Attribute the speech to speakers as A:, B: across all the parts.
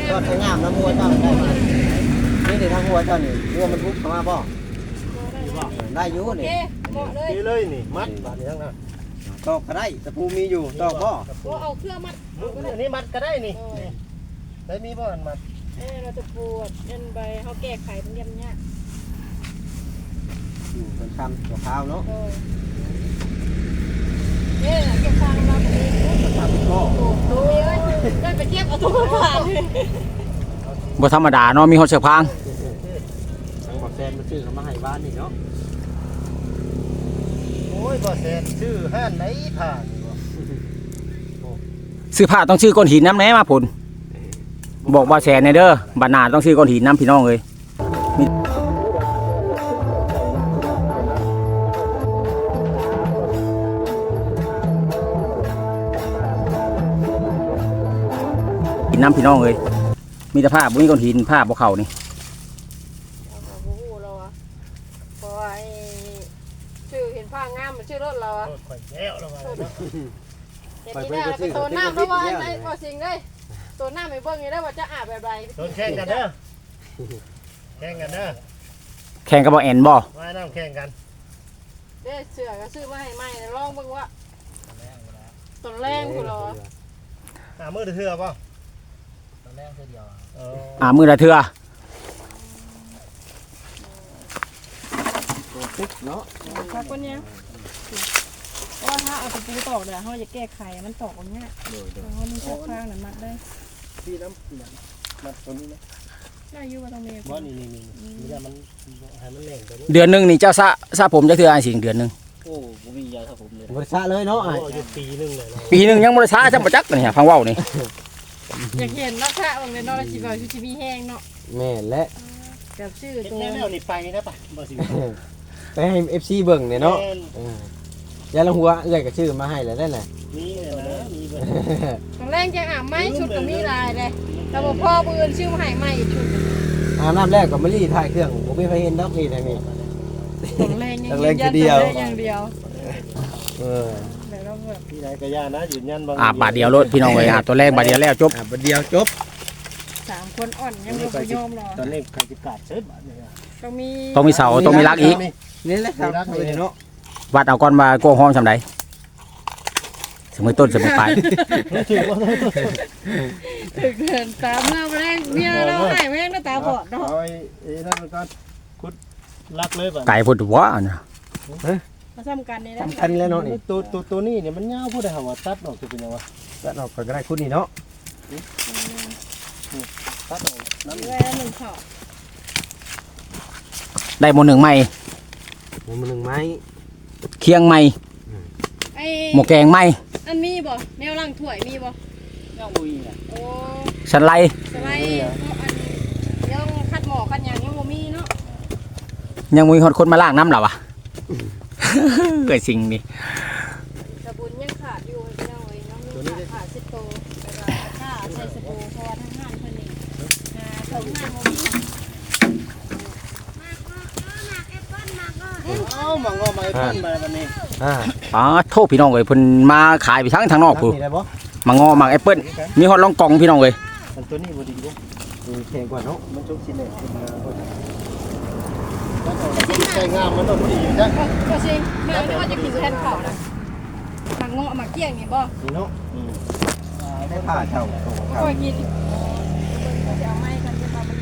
A: ก็ใช้งามน้ำหัวเจ้าได้มานี่เดี๋ยวทางหัวเจ้านี่หัวมันทุบเข้ามาบ่ได้อยู่นี่
B: ดีเลยนี่มัดบาดนี้ทั้งนั้น
A: ตอกก็ได้ตะปูมีอยู่ตอกบ่
C: เอาเครื่องมัด
B: อันนี้มัดก็ได้นี่ได้มีบ่อันมัด
C: เราจะปวดยันใบเขาแก้ไขเป็นยันเนี้ย
A: อยู่เป็นคำตัวข้าวเนาะ
C: เก็บฟางมาแบบนี้
A: ทำก็
C: ดูเลยได้ไปเทียบเอาตัวผ่าน
D: บ่ธรรมดาเนาะมีฮอดเชือกพาง
A: ทางบอกแซนมันซื้อเขามาให้บ้านนี่เนาะ
B: โอ้ยบ่แซนชื่อห้านไหนผ่าน
D: ซื้อผ้าต้องซื้อก้อนหินน้ำแหน่มาผลบอกว่าแสนในเด้อบัดหน้าต้องซื้อก้อนหินน้ำพี่น้องเลยหินน้ำพี่น้องเลยมีแต่ผ้าบุ้ยก้อนหินผ้าบ่เข่านี่
C: เพราะว่าชื่อเห็นผ้างามมันชื่อรถเราอะ
B: ข่อยแล้วแล้วว่า
C: เห็นนี่ได้เป็นตัวน้ำเพราะว่าไอ้พอสิ่งได้ตัวน้ำไม่เบิ่งนี่ได้ว่าจะอาบแบบไร
B: ตัวแข่งกันเด้อแข่งกันเด้อ
D: แข่งกับบ่แอนบ่
B: ว่ายน้ำแข่งกัน
C: เด้เสือก็ซื้อมาให้ใหม่ลองเบิ่งว่าตัวแรงกูรอ
B: มือเถื่อป่ะ
A: ตัวแรงเดียว
D: มือละเถื่อ
A: เนาะ
C: ครับคนนี้ว่าถ้าเอาตะปูตอกเดี๋ยวเขาจะแก้ไขมันตอกอย่างเงี้ยเขามีข้างๆนั่นมัดได้
B: ที่น้ำมัดตัวนี้นะ
C: ได้อยู่ว่าต้องมี
B: ว่านี่มันให้มันแหลงตัวนี้
D: เดือนนึงนี่เจ้าซะผมจะเถื่อไอ้สิ่งเดือนนึง
A: โอ้ผมมียาซะผมเลยบริษัทเลยเนาะ
B: ปีนึง
D: ยังบริษัทจะมาจักเนี่ยฟังว่าวนี่
C: อยากเห็นนักข่าวเลยเนาะชีวิตชีวิตแห้งเนาะ
A: แม่และ
C: แบบชื่อตัว
B: แนวนี่ไปนะป่ะบ่สิ
A: ไปให้ FC เบิ่งเนี่ยเนาะยาละหัวเอื้อยก็ชื่อมาให้แล้วนั่นแหละ
B: นี่นะมีเบิ่ง
C: ตอนแรกจะอาบไม้ชุดก็มีลายเลยแต่ว่าพ่อปืนชื่อมาให้ใหม่ชุด
A: อาบน้ำแรกก็มารีถ่ายเครื่องผมไม่เคยเห็นดอกนี่นะนี่
C: ตอนแรกอย่างเดียว
B: ที่ไหนก็ย่านะยืนยัน
D: บาทเดียวรถพี่น้องเลยตัวแรกบาทเดียวแล้วจบบาทเดียวจบ
C: 3คนอ่อนยังไม่ยอมรอ
B: ตอนนี้ใครจะกาดเสร็จบาทเนี่ย
D: ต้องมีเสาต้องมีรักอีก
A: นี่แหละครับเนาะ
D: วัดเอาก้อนมาโก้ห้องจำได้สมัยต้นสมัยปลาย
C: ถึงเดินตามเราแรงเนี่ยเราหายแม่งตาบอดเนาะ
B: เอาไอ้นั่นก็คุดลักเลยแบบ
D: ไก่พุทธวะนะ
C: มาทำกันนี่นะ
A: ทำกันแล้วเนาะนี่
B: ตัวนี้เนี่ยมันเงาพูดได้หาว่าตัดออกจะเป็นยังไง
A: ตัดออกก็ได้คุดนี่เนาะ
B: ตัดออก
C: น้ำเลยหนึ่งข้อ
D: ได้หมดหนึ่งไม้เคียงไม้หมกแกงไม้
C: อันมีบ่แนวล่างถ้วยมีบ่
B: ยังบุยอ่ะ
C: โอ้
D: สไลด์
C: อันยังคัดหมอคัดอย่างยังบ่มีเนาะ
D: ยังมีคนมาล้างน้ำหรอวะเกิดสิ่งนี้
C: สบู่ยังขาดอยู่พี่น้องน้องขาด10 โตค่าใส่สบู่พอทั้งห้านเพิ่นนี่ของห้านบ่มี
B: มังงอมาไอ้ต้นมาวันนี้
D: โทษพี่น้องเลยเพิ่นมาขายไปทั้งนอกผู้มังงอมังแอปเปิ้ลมีฮอตลองกองพี่น้องเลย
B: ตัวนี้บ่ดีบ่
A: แข็งกว่าเนาะ
B: มันจุกชิ้นเล็กใช้งามมันต้องดีอยู่จ้ะ
C: ก็สิแม่นึกว่าจะกินแทนข้าวนะมังงอมักเกี้ยงนี่บ่
B: นี่เนาะ
A: ได้ผ้าเช่า
C: ก็กินจะเอาไม้กันจะมามัน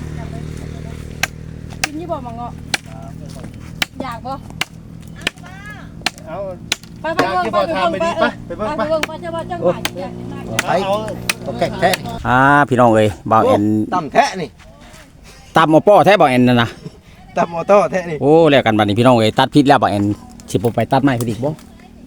C: กินนี่บ่มังงออยากบ่
B: เอา
C: ไปเบิ่งไปจะว่าจังหวัด
A: ไปแกะแท้
D: พี่น้องเลยบ่าวแอน
A: ตำแท้นี่
D: ตำหม้อป้อแท้บ่าวแอนนั่นนะ
A: ตำหม้อต้อแท้นี่
D: โอ้แล้วกันบัดนี้พี่น้องเลยตัดพิษแล้วบ่าวแอนสิบ่ไปตัดไม้พิษอีกบ่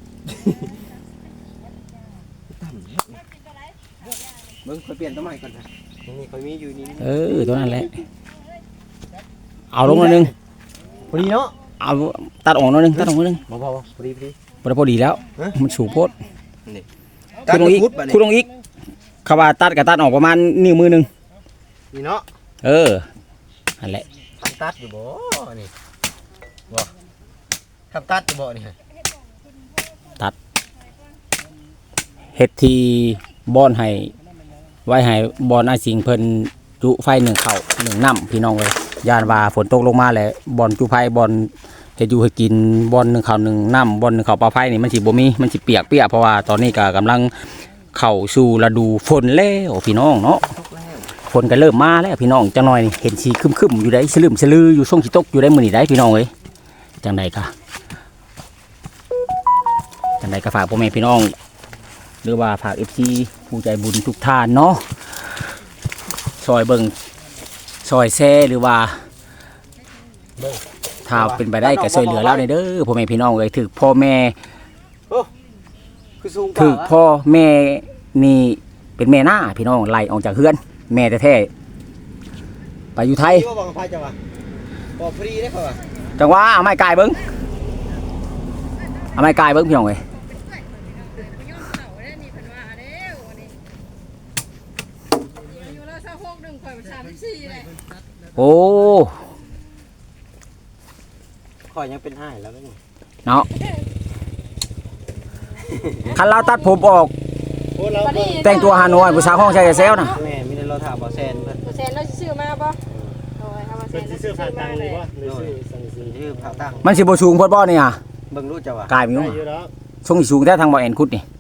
A: มึงค่อยเปลี่ยนต้นไม้ก่อนนะนี่ค่อยมีอยู่
D: นี่ตัวนั้นแหละเอาลงนึง
A: พอดีเนาะ
D: เอาตัดออกนึงตัดออกนึง
A: พอพอดี
D: พอดีแล้วมันสูงโพด
A: คุณ
D: ลงอีกเขาว่าตัดกับตัดออกประมาณนิ้วมือนึง
A: นี่เนาะ
D: อันแหละ
A: ตัดอยู่บ่นี่บ่ทำตัดอยู่บ่นี่
D: ตัดเฮ็ดทีบอนให้ไว้ให้บอนอาสิงเพิ่นจุไฟหนึ่งเข่าหนึ่งน้ำพี่น้องเลยยานว่าฝนตกลงมาแหละบอนจุไฟบอนเฮ็ดอยู่ให้กินบอนหนึ่งเข่าหนึ่งน้ำบอนหนึ่งเข่าปลาไฟนี่มันสิบ่มีมันสิเปียกเพราะว่าตอนนี้ก็กำลังเข้าสู่ฤดูฝนแล้วพี่น้องเนาะฝนก็เริ่มมาแล้วพี่น้องจังหน่อยนี่เห็นสีครึมๆอยู่ได้สลืมสลืออยู่ช่วงสิตกอยู่ได้มื้อนี้ได้พี่น้องเอ้ยจังใดก็ฝากพ่อแม่พี่น้องหรือว่าฝาก FC ผู้ใจบุญทุกท่านเนาะซอยเบิ่งซอยแซ่หรือว่าถ้าเป็นไปได้ก็ช่วยเหลือเราในเด้อพ่อแม่พี่น้องเอ้ยถึกพ่อแม่
A: คือสูง
D: ถึกพ่อแม่นี่เป็นแม่หน้าพี่น้องไล่ออกจากเฮือนแม่แท้ๆไปอยู่ไทย
A: ว่าบังไฟจังวะบ่ฟรีได้เขาว่ะ
D: จังว่าเอาไม้กายเบิ้งพี่น้องเอ้ยโอ้
A: ข่อยยังเป็นอ้ายแล้วนี่
D: เนาะคันเราตัดผมออก
B: โอ้เรา
D: แต่งตัวฮานอยผู้สาวห้องชายเซลนะ
A: แม่มีแต่เราถามบ่แซนเพิ่น
C: แซนเราซื้อมาบ่โอ้ยถ้ามาแซ
B: เป็น
C: นเรา
B: ซื้
C: ซื้
B: อ
C: อ
B: ผ่าน
C: มา
B: ตังค์
C: เล
B: เลย ยว่าหรือซื้อสั่งซื้อ
A: ชื่อผ่าตั้ง
D: มันสิบ่สูงโพดบ่นี่อ่ะ
A: เบิ่งรู้จักว่ะ
D: กายมี
B: ได้
D: มั้ง
B: อยู่แล้ว
D: ทรงสิสูงแท้ทางบ่แอนคุดนี่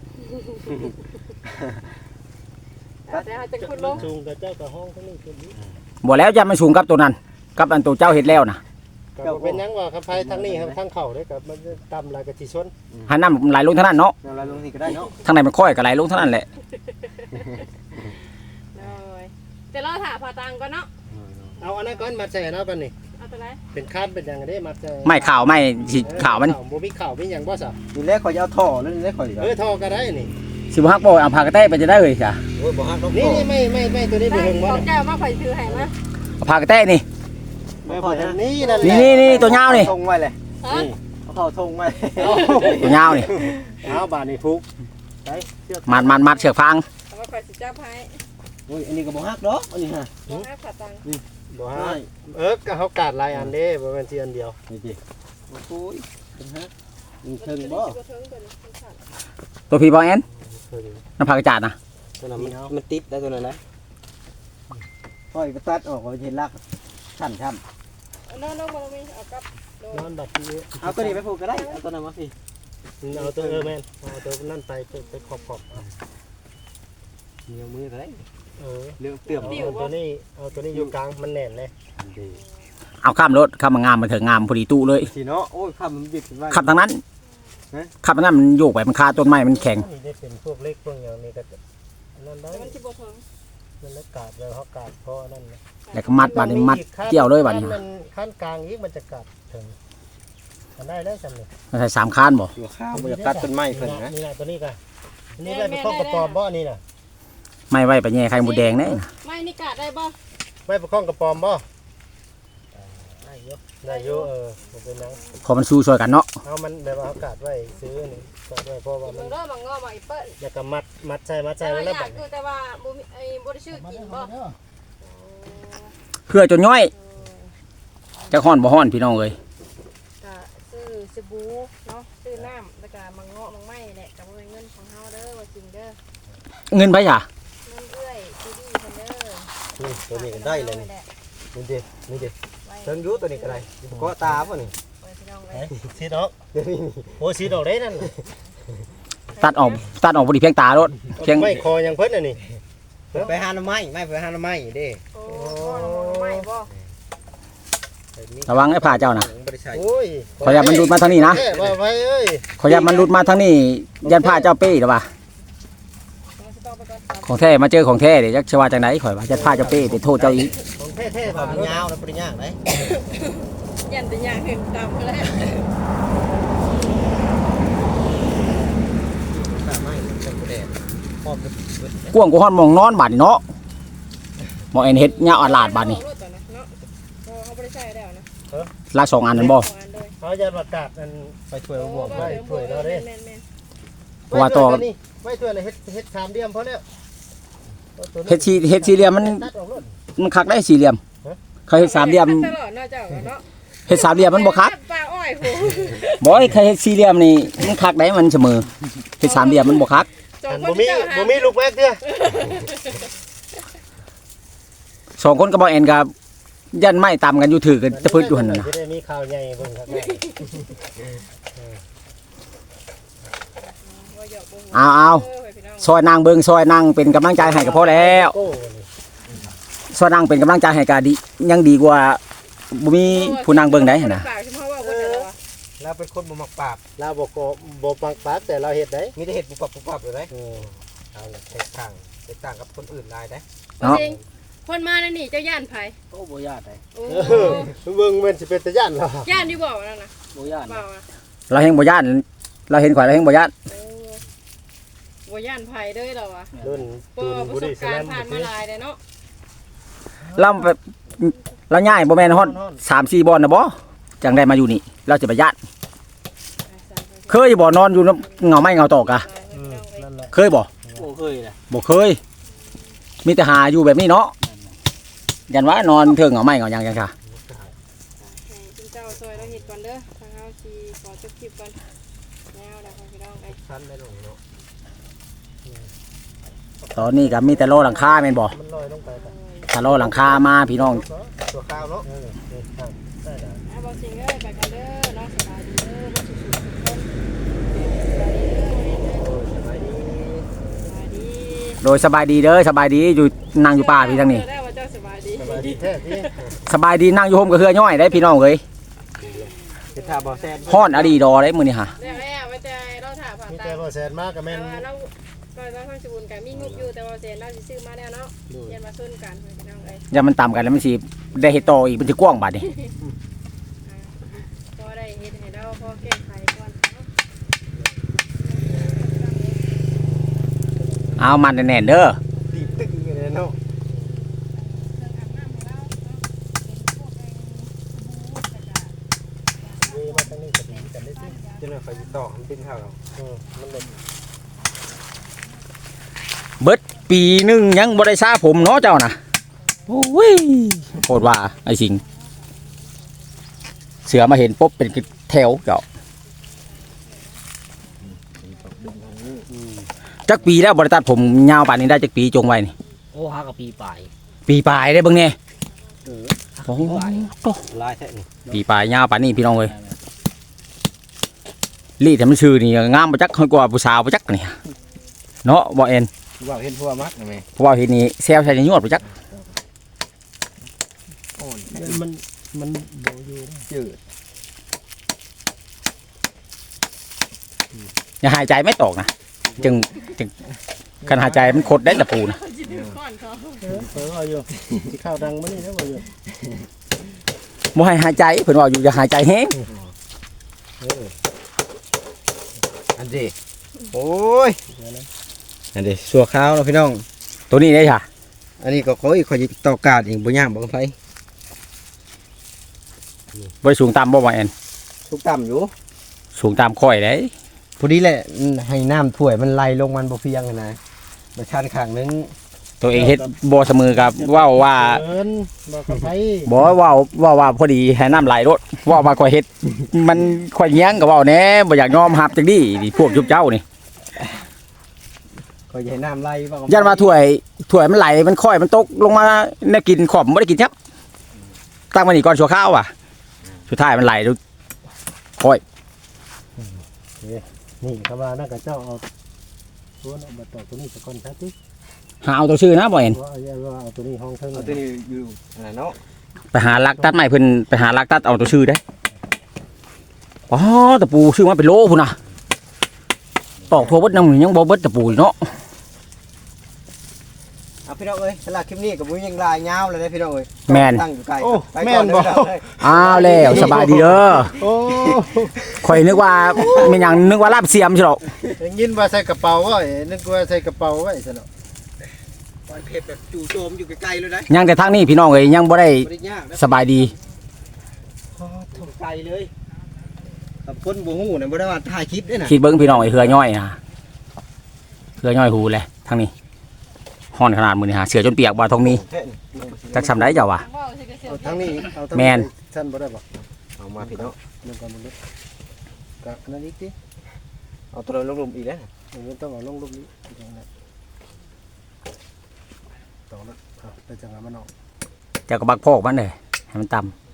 C: แต่เขาจะขึ้นลง
B: จูงกับเจ้ากับห้องทั้งนี้คนนี้
D: บ่แล้วจะมันสูงกับตัวนั้นกับอันตัวเจ้าเฮ็ดแล้วนะ
B: ก็เป็นยังว่าครับไฟทั้งนี้ทั้งเข่าได้กับมันต่ำลายกับที่ชน
D: หันน้ำไหลลงเท่านั้นเนาะ
A: เราลงนี่ก็ได้เนาะ
D: ทางไหนมันค่อยก็ไหลลงเท่านั้นแหละ
C: เลยแต่เราถามพอตังก่อนเนาะ
B: เอาอันนั้นก้อนมาใส่เนาะปันนี่
C: เอาตัวไหน
B: เป็นคาดเป็นยังไงได้มาใส่
D: ไม่ข่าวไม่สิข่าวมัน
B: บ่มีข่าวมีหยังบ่ซะ
A: นี่แรกข่อยจะเอาท่อแล้วนี่แรกข่อยก็
B: ทอก็ได้นี่
D: สิบ่ฮักบ่เอาพากระแต้ไปจะได้เลยจ้ะ
A: โอ้ยบ่ฮักดอก
B: นี่ไม่ตัวนี้บ่
C: ได้
B: เฮิงบ่
C: ของแก้วมาข่อยถือให้มา
D: เอาพากระแต้นี่
A: ไม่พอนะ
B: นี่นั่นแหละ
D: นี่ตัวยาวนี่
A: ทงไว้เลย
C: ฮะ
A: นี่เอาเข้าทงไว้
D: ตัวยาวนี่
B: เอาบาดนี่ฟุก
D: มัดเชือกฟาง
C: เอามาข่อยสิจับให้
A: โอ้ยอันนี้ก็บ่ฮักดอกอันนี้ฮะ
C: บ่ให้พอตัง
B: บ่ฮะก็เขากาดหลายอันเด้บ่แม่นสิอันเดียว
A: นี่จิโอ้ยเป็นฮักมีเทิงบ่
D: ตัวพี่บ่แอนน้ำพากระจาดนะ
A: ตัวนั้นมันติดได้ตัวนั้นนะข่อยไปตัดออกก็เห็นลักชั้นช้ำ
C: น้องบ่มีเอากับ
B: นอนบัดนี้
A: เอาตัวนี้ไปผูกก็ได้เอาตัวนั้นมาสิ
B: เอาตัวแม่นเอาตัวนั่นไปขอบ
A: เหนียวมือก็ได้
B: ๆ
A: เรื่องเตื่อม
B: เอาตัวนี้อยู่กลางมันแน่นเลย
D: เอาข้ามรถข้ามมางามมาเถอะงามพอดีตู้เลย
A: สิเนาะโอ้ยข้ามมันบิดไว้
D: ขับทางนั้นขับทางนั้นมันโยกไปมันคาต้นไม้มันแข็ง
B: นี่ได้เป็นพวกเล็กพวกอย่างนี้ก็นั่นได้
C: มันสิบ่ถึง
B: มันแล้วกาดแล้วเขากาดเพราะนั่นนะ
D: แล้วก็มัดบาดนี้มัดเกี่ยวเลยบาดนี้
B: มันขั้นกลางอีกมันจะกาดถึงมันได้จำเลย
D: มันใส่3คานบ่
A: อยู่ข้าวบ่อยากตัดต้นไม้เพิ่นนะ
B: นี่นะตัวนี้กันนี่ได้เป็นข้อกระปอมบ่นี่นะ
D: ไม่ไว้ไปแย่ไข่หมูแดงแน่
C: ไม่นี่กะได้บ่
B: ไม่เป็นข้อกระปอมบ่ได้เยอะมันเป็นนัง
D: พอมันสู้ช่วยกันเนาะ
B: เอามันแบบว่าเขากาดไว้ซื้อนี่กาดไว้เพราะว่ามัน
C: เด้อมางอมาอีเปิ้ล
B: อยากกับมัดใส่
C: แต่
B: ไว้
C: ว่า
B: แล้ว
C: อ
B: แบ
C: ยาก
B: บ
C: คือแต่ว่าบ่มีบ่ได้ชื่อกินบ่
D: เพื่อจนย่อยจะฮ้อนบ่ฮ้อนพี่น้องเอ้ย
C: ก็ซื้อสบู่เนาะซื้อน้ำแล้วก็มังเงาะมังไม้แหละก็บ่เป็นเงินของเฮาเด้อว่าจริงเด้อ
D: เงินไปจ้ะ
C: เงินเอื้อยซีดีเพิ่นเด้อ
A: นี่ตัวนี้ก็ได้เลยนี่ดินี่ดิเทิงอยู่ตัวนี้ก็ได้ก็ตาบ่นี่
C: พี่น้องเล
B: เฮ้
C: ย
B: ยสีดอกโอ้สีดอกได้นั่น
D: ตัดออกบ่ดีเพียงตารถเพียง
B: ไม่คอยังเพิ่นน่ะนี่
A: ไปหาหน่อไม้ไม่ไปหาหน่อไม้เด้
C: โอ้ไม่บ่
D: ระวังไอ้ผ้าเจ้านะ
A: บ่ได้ใช้
B: โอ้ย
D: ขออย่ามันหลุดมาทางนี้นะ
B: ว่าไว้เอ้ย
D: ขออย่ามันหลุดมาทางนี้ยันผ้าเจ้าเป้หรือเปล่าของแท้มาเจอของแท้เดี๋ยวจักชว่าจังได๋ข่อยว่ายันผ้าเจ้าเป้ติดโทษเจ้าอีก
B: ของแท้ๆ
A: บ่
B: บ่
A: มันยาวแล้วบ่ได้ยากได้
C: ยันแต่อย่างเห็นตามแล้ว
A: ตาไม้เป็นบ่ได้พร้อมกับเบิด
D: กวางกูฮ้อนมองนอนบาดนี่เนาะหมอเอ็นเฮ็ดยาวอัดลาดบาดนี่
C: เนาะเขาบ่ได้ใช้แล้วนะ
D: ลาก2อันนั่นบ่
B: เอาอย่าประกาศนั่น
A: ไปช่วยบวก
B: ไว้ถ้วยเราเด้
D: เพราะว่าต่อ
B: ไว้ถ้วยเลยเฮ็ด3เดียมพอแล้ว
D: เฮ็ดสี่เหลี่ยมมันคักได้สี่เหลี่ยมเขาเฮ็ดสามเหลี่ยม
C: ตลอดเนาะเจ้าเนาะ
D: เฮ็ดสามเหลี่ยมมันบ่คัก
C: ปลาอ้อยโห
D: บ่ไอ้ใครเฮ็ดสี่เหลี่ยมนี่มันคักได้มันเสมอเฮ็ดสามเหลี่ยมมันบ่คัก
C: จอง
B: บ่มีลูกแม็กเด้อ
D: สองคนก็บ่แอนกับยันไม้ตำกันอยู่ถือกันตะพืดอยู่หั่นน่ะ
B: จะได้มีข่าวใหญ่เบิ่งครับแม่
C: ว่าหยอกบ่หัว
D: เอา
C: พี่น้อง
D: ซอยนางเบิ่งซอยนางเป็นกำลังใจให้ก็พอแล้ว
B: โก้
D: ซอยนางเป็นกำลังใจให้ก็ดียังดีกว่าบ่มีผู้นางเบิ่งได้หั่นน่ะ
C: ปากใช่มั้ยว่าบ่ได้แล้ว
A: เราเป็นคนบ่มักปราบ
B: เราบ่ปังปากแต่เราเฮ็ดได้
A: มีแต่เฮ็ดปุบปับอยู่ได้
B: เออ
A: เอาแตกต่างกับคนอื่นหลายได้
C: จริงคนมานั่นนี่เจ้าย่านไผ
A: โอ้บ่ญาติได้
C: โอ้
B: เบิ่งมันสิเป็นตะย่านเหรอ
C: ย่านอยู่บ่นั่นน่ะ
A: บ่ญาติ
C: เปล่าอ่ะ
D: เราเฮงบ่ย่านเราเห็นข่อยเราเฮงบ่ย่าน
C: โอ้บ่ย่านไผเด้อเราอ่ะ
B: รุ่น
C: บ่
B: ตูน
C: ป
B: บุ
C: ระส
B: รี
C: บ
B: ส
C: การ
B: แล
C: ณ์
B: ม
C: ผ่านมาหลายเด้อเนาะ
D: เราแบบเราย้ายบ่แม่นฮอด3-4บ่อนน่ะบ่จังได้มาอยู่นี่เราจะไปย่านเคยบ่นอนอยู่เงาไม้เงาตอกอะ
B: อืมนั่นแหละ
D: เคยบ่
A: โอ้เคยเลย
D: บ่เคย มีแต่หาอยู่แบบนี้เนาะยันว่านอนเทิงเงาไม้เงาหยังจังค่ะ
C: ให้คุณเจ้าซอยเราเฮ็ดก่อนเด้อทางเฮาสิขอจบคลิปก่อนแล้วเดี๋ยวพี่น้องไอ้
A: ชั้นได้ลงเนาะ
D: ตอนนี้ก็มีแต่โลหลังคาแม่นบ่
B: มันลอยลงไปครับ
D: ถ้าโลหลังคามาพี่น้อง
A: ตัวข้าวเนาะ
B: เออเด็ดครับได้แล้ว
C: บ่สิงเอ้ยไปกันเด้อเนาะสบายดีเด้อบ่สุขๆทุกคนสบายดีเด้อวันนี้เด้อ
A: โอ้สบายดี
C: สบายดี
D: โดยสบายดีเด้อสบายดีอยู่นั่งอยู่ป่าพี่ทางนี้
C: เจอได้ว่าเจ้าสบายดี
B: สบายดีแท้ที่
D: สบายดีนั่งอยู่โฮมกับเฮือย่อยได้พี่น้องเอ้ย
A: เฮ็ดท่าบ่แซ่บ
D: ฮ้อนอดีดอได้มื้อนี้ฮะ
C: แล้วไว้ใจเราถามผ่าน
B: มี
C: ตา
B: แต่บ่แสนมากก็แม่น
C: เราก็ต้องทางสบุญกันมีงบอยู่แต่ว่าเซนเราสิซื้อมาแล้วเนาะเย็นมาซุ่นกันพี่น้องเอ้ย
D: อย่ามันต่ำกันแล้วมันสิได้เฮ็ดต่ออีกมันสิกว้างบาดนี้
C: พอได้เฮ็ดให้เราพอแก้ไขก่อนเนาะ
D: เอามันแน่นๆเด้อ
A: ตีตึ้งอยู่เลยเนาะ
C: เครื่องอาบน้ำให้เราเนาะเป็นพวกไอ้
B: เวมาทางนี้ก็ดีกันได้สิ
A: จนว่าเขาสิต่อมันเป็นข้าวเรา
B: มันเลย
D: เบิดปีหนึงยังบ่ได้ซาผมเนาะเจ้าน่ะโอ้ยโคตรว่าไอ้สิงเสือมาเห็นปุ๊บเป็นแถวเจ้าจักปีแล้วบ่ได้ตัดผมยาวป่านนี้ได้จักปีจงไว้นี่
E: โอ้หากับปีปลาย
D: ปีปลายได้เบิ่งแน่โอ้โห
A: ลายแท้นี่
D: ปีปลายยาวป่านนี้พี่น้องเอ้ยลีดให้มันชื่อนี่งามบ่จักค่อยกว่าผู้สาวบ่จักนี่เนาะบ่เอ็น
A: ว่าเห็นพวกมักแม่
D: เพราะว่าเห็นนี่แซวใส่ในยวดบ่จัก
A: โอ้ย
B: มันบ่อยู่
A: จืด
D: อย่าหายใจไม่ตกนะจึงคันหายใจมันคดได้ตะปูนะ
C: สิดื้อก่อนเขา
B: เอออยู่สิข้าวดังมื้อนี้แล้วบ่อยู่
D: บ่ให้หายใจเพิ่นว่าอยู่อย่าหายใจแฮง
A: อันเดโอ้ยอันเดสัวข้าวเนาะพี่น้อง
D: ตัวนี้ได้ค่ะ
A: อันนี้ก็ขออีกขอจิต่อกาดอีกบ่ยากบ่ไฟ
D: บ่สูงตามบ่ว่าแอน
A: ทุกต่ำอยู่
D: สูงตามค่อยได้
A: พอดีแหละให้น้ำถ้วยมันไหลลงมันบ่เพียงอะนะมาชันข้างนึง
D: ตัวเองเฮ็ดบ่เสมอกับเว้าว่า
B: เอิ้นบ่กับไผ
D: บ่เว้าว่าพอดีให้น้ำไหลรถเว้ามาค่อยเฮ็ดมันค่อยเงี้ยงก็เว้าแหน่บ่อยากยอมรับจังดีนี่พวกยุบเจ้านี่
A: ก็อย่าให้น้ำไหลว่า
D: ยันว่าถ้วยมันไหลมันค่อยมันตกลงมาแนวกินขอบบ่ได้กินครับตั้งมานี่ก่อนชั่วข้าวว่ะสุดท้ายมันไหลดูค่อย
B: นี่เขาว่านั่นก็เจ้าเอาตัวนั้นมาต่อตัวนี้สักคนซะติ
D: หาเอาตัวชื่อนะบ่เห็น
B: ว่าเอาตัวนี้ห้องเทิง
A: เอาตัวนี้อยู่อันนั้นเนาะ
D: ไปหาลักตัดไม้เพิ่นไปหาลักตัดเอาตัวชื่อได้อ๋อตะปูชื่อมาเป็นโลพุ่นน่ะตอกทั่วเบิดนำยังบ่เบิดตะปูอยู่เนาะ
A: เอาพี่น้องเอ้ยสำหรับคลิปนี้ก็บ่มีหยังหลายยาวเลยนะพี่น้องเอ้ย
D: แม่น
A: ตั้งอยู่ไกล
B: โอ้
A: ไป
B: แม่
A: ก่อน
B: น
A: เด้
B: บ่
A: อพี่น้องเอ้ย
D: อ้าวแล้วสบายดีเด้อ
B: โอ้
D: ข่อยนึกว่าแม่นหยังนึกว่าลาบเสียมใช่หรอก
B: ยังยินว่าใส่กระเป๋าไว้นึกว่าใส่กระเป๋าไว้ซะเนาะ
A: ปล่อยเผ็ดแบบจู่โจมอยู่ไกลๆเลยนะ
D: ยังแต่ทางนี้พี่น้องเอ้ยยังบ่ได้
A: บ่ได้ยากนะ
D: สบายดี
A: ถูกไกลเลยกับคนบ่ฮู้น่ะบ่ได้ว่าถ่ายคลิปเด้น่ะ
D: คิดเบิ่งพี่น้องไอ้เหือย่อยนะเหือย่อยหูเลยทางนี้ฮ้อนขนาดมื้อนี้หาเสือจนเปียกบ่ทองมีจักซำได้เจ้าว่ะ
C: ว่าสิกระเสียว
B: เอาทั้งนี้เอาทั้ง
D: แม่น
B: ชั้นบ่ได้บ่
A: เอามาพี่น้อง
B: นึกว่ามันลึกกะนั่นอีกติ
A: เอาตัวลงๆอีกแล้วน่ะ
B: มันต้องเอาลงรูปนี้อย่างนั้นต่อแล้วเอาไปจังหวะมันออก
D: เจ้าก็บักพอกมันเลยให้มันต่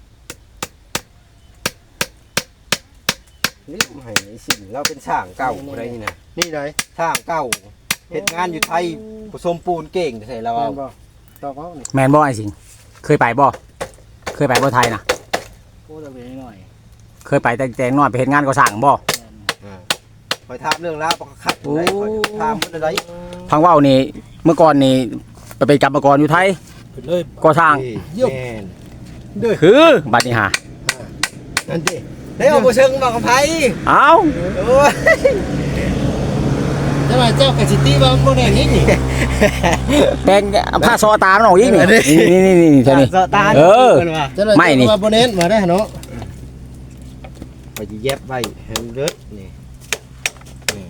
A: นี่ให้สิ่งเราเป็นช่างเก่าอะไรนี่นะ
B: นี่ไหน
A: ช่างเก่าเฮ็ดงานอยู่ไทยผสมปูนเก่งใส่เรา
B: แม่
A: เอา
B: นบ่ตอกเอานี่
D: ำแมนบ่ไอ้สิงเคยไปบ่เคยไปบ่ไทยนะ
E: พูดเอาไปหน่อย
D: เคยไปแต่งน้อยไปเฮ็ดงานก่อสร้างบ่
A: คอยถามเรื่องราวประคัดอะไรคอยถามมันอะไร
D: พังว่าวนี่เมื่อก่อนนี่ไปเป็นกรรมกรอยู่ไทย
B: ขึ้นเลย
D: ก่อสร้าง
A: แม่น
D: คือบัดนี้หา
A: นั่นดิได้เอาบ่เชิงมากับไผ
D: เอ้า
A: โอ้ย
B: แต่ว่าเจ้ากับสิตี้ว่าบ่ได้นี่นี่
D: แปลงผ้าซอตามันออกอีกนี่นี่เท่านี้
A: สะตา
D: เออ
A: พิ่นว่า
B: เจ้าเลย
D: ไม่นี่
B: ว่าบ่เน้นมาได้เนาะ
A: ไปสิเย็บไว้ให้มันเลิศนี่นี่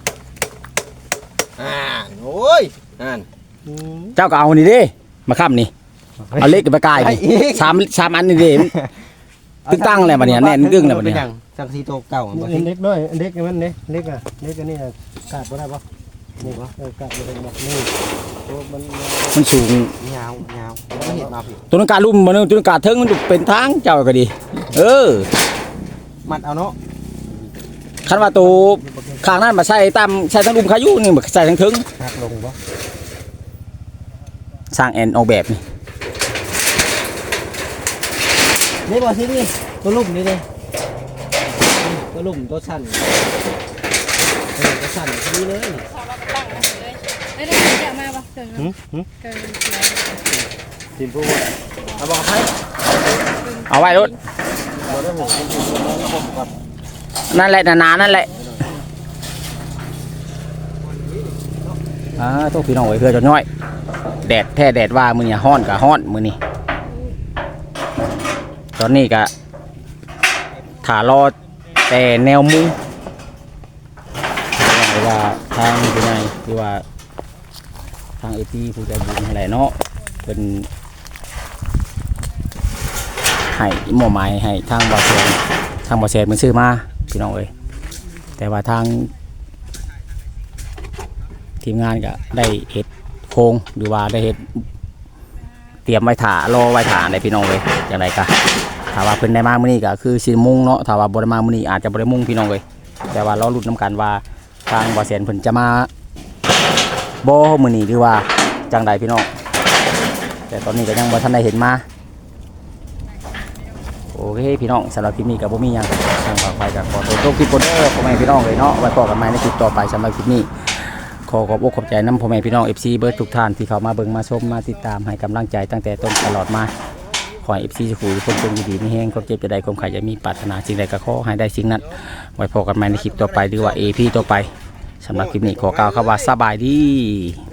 A: โอ้ยนั่น
D: เจ้าก็เอานี่ดิมาค้ำนี่เอาเล็กกับปลากายนี่สามอันนี่ดิตึ้งตั้งอะไรบัดเนี้ยแน่นกึ่งอะไรบัดเนี้ย
A: จังสีโตเก่าบ่
B: เล็กน้อยเล็กมันเล็กอ่ะเล็กอันนี้กาดบ่ได้บ่นี่บ่กาดบ่ได้บ่นี่ตัวมัน
D: มันสูง
A: ยาวแล้วก็เห็นมาผิด
D: ตัวนั้นการลุ่มมันตัวนั้นการเทิงมันเป็นทางเจ้าก็ดี เออ
A: มัดเอาเนาะ
D: คันว่าตัวข้างนั้นมาใส่ตามใส่ทั้งลุ่มขายุนี่มาใส่ทั้งเทิง
A: หักลงบ่
D: สร้างแอนออกแบบนี่
A: นี่บ่สินี่ตัวลุ่มนี่เลยตัวลุ่มตัวสั้นตัวสั้นนี่เลย
C: พอเราตั้งนะเลยได้ได้เดี๋ยวมาบ่เกินเกิน
A: ทีมผู้ว่าเอาบอกให้
D: เอาไว้รถ
A: บ่ได้ผมเป็นทีมผู้ว่าผมกับ
D: นั่นแหละหนาๆนั่นแหละตัวพี่น้องไว้เพื่อจนน้อยแดดแท้แดดว่ามือเนี่ยฮ้อนกับฮ้อนมือนี่ตอนนี้ก็ถารอแต่แนวมุงว่าทางผู้ใหญ่ที่ว่าทางเอทีผู้ใจบุญอะไรเนาะเป็นให้หม้อไม้ให้ทางบ่อแสนมันซื้อมาพี่น้องเอ้ยแต่ว่าทางทีมงานก็ได้เฮ็ดโครงหรือว่าได้เฮ็ดเตรียมไว้ถ่ารอไว้ถ่าในพี่น้องเลยอย่างไรก็ถ้าว่าเพิ่นได้มามื้อนี้ก็คือสิมุ่งเนาะถ้าว่าบ่ได้มามื้อนี้อาจจะบ่ได้มุ่งพี่น้องเลยแต่ว่ารอลุ้นนํกันว่าทางบ่อแสนเพิ่นจะมาบ่มื้อนี้หรือว่าจังใดพี่น้องแต่ตอนนี้ก็ยังบ่ทันได้เห็นมาโอเคพี่น้องสำหรับคลิปนี้ก็บ่มีหยังทางฝากไปก็ขอตัวคลิปก่อนเด้อพ่อแม่พี่น้องเลยเนาะไว้พบกันใหม่ในคลิปต่อไปสำหรับคลิปนี้ขอขอบอกขอบใจน้ำพ่อแม่พี่น้อง FC เบิร์ดทุกท่านที่เข้ามาเบิ่งมาชมมาติดตามให้กำลังใจตั้งแต่ต้นตลอดมาขอให้ FC สุขุมคนจงดีมีแห้งความเจ็บจะได้ความขายจะมีปรารถนาสิ่งใดก็ขอให้ได้สิ่งนั้นไว้พบกันใหม่ในคลิปต่อไปหรือว่า AP ต่อไปสำหรับคลิปนี้ขอกล่าวคำว่าสบายดี